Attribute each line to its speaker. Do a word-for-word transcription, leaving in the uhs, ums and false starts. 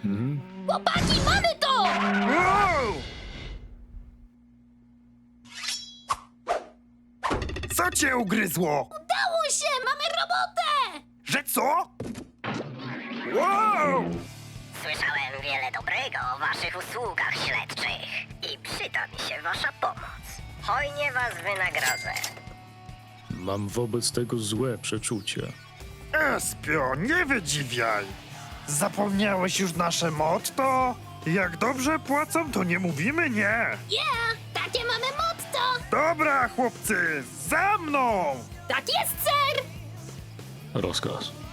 Speaker 1: Chłopaki, mamy to!
Speaker 2: Wow! Co cię ugryzło?
Speaker 1: Udało się! Mamy robotę!
Speaker 2: Że co? Wow!
Speaker 3: Słyszałem wiele dobrego o waszych usługach śledczych i przyda mi się wasza pomoc. Hojnie was wynagrodzę.
Speaker 4: Mam wobec tego złe przeczucie.
Speaker 2: Espio, nie wydziwiaj. Zapomniałeś już nasze motto? Jak dobrze płacą, to nie mówimy nie.
Speaker 1: Yeah! Takie mamy motto!
Speaker 2: Dobra, chłopcy, za mną!
Speaker 1: Tak jest, ser!
Speaker 4: Rozkaz.